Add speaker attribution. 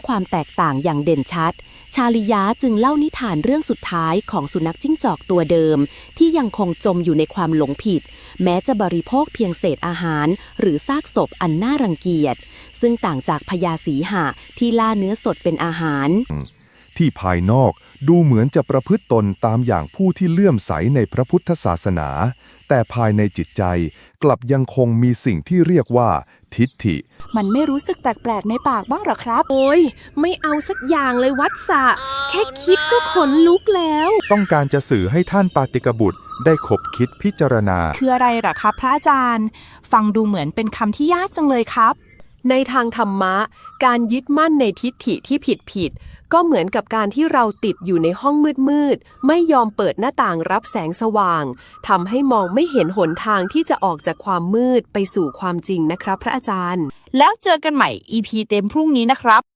Speaker 1: ความแตกต่างอย่างเด่นชัดชาลิยะจึงเล่านิทานเรื่องสุดท้ายของสุนัขจิ้งจอกตัวเดิมที่ยังคงจมอยู่ในความหลงผิดแม้จะบริโภคเพียงเศษอาหารหรือซากศพอันน่ารังเกียจซึ่งต่างจากพญาสีหะที่ล่าเนื้อสดเป็นอาหาร
Speaker 2: ที่ภายนอกดูเหมือนจะประพฤติตนตามอย่างผู้ที่เลื่อมใสในพระพุทธศาสนาแต่ภายในจิตใจกลับยังคงมีสิ่งที่เรียกว่าทิฏฐิ
Speaker 3: มันไม่รู้สึกแปลกๆในปากบ้างหรอครับ
Speaker 4: โอ้ยไม่เอาสักอย่างเลยวัดสะแค่คิดก็ขนลุกแล้ว
Speaker 2: ต้องการจะสื่อให้ท่านปาติกบุตรได้ขบคิดพิจารณา
Speaker 3: คืออะไรหรอครับพระอาจารย์ฟังดูเหมือนเป็นคำที่ยากจังเลยครับ
Speaker 4: ในทางธรรมะการยึดมั่นในทิฏฐิที่ผิดก็เหมือนกับการที่เราติดอยู่ในห้องมืดไม่ยอมเปิดหน้าต่างรับแสงสว่างทำให้มองไม่เห็นหนทางที่จะออกจากความมืดไปสู่ความจริงนะครับพระอาจารย์
Speaker 3: แล้วเจอกันใหม่ EP เต็มพรุ่งนี้นะครับ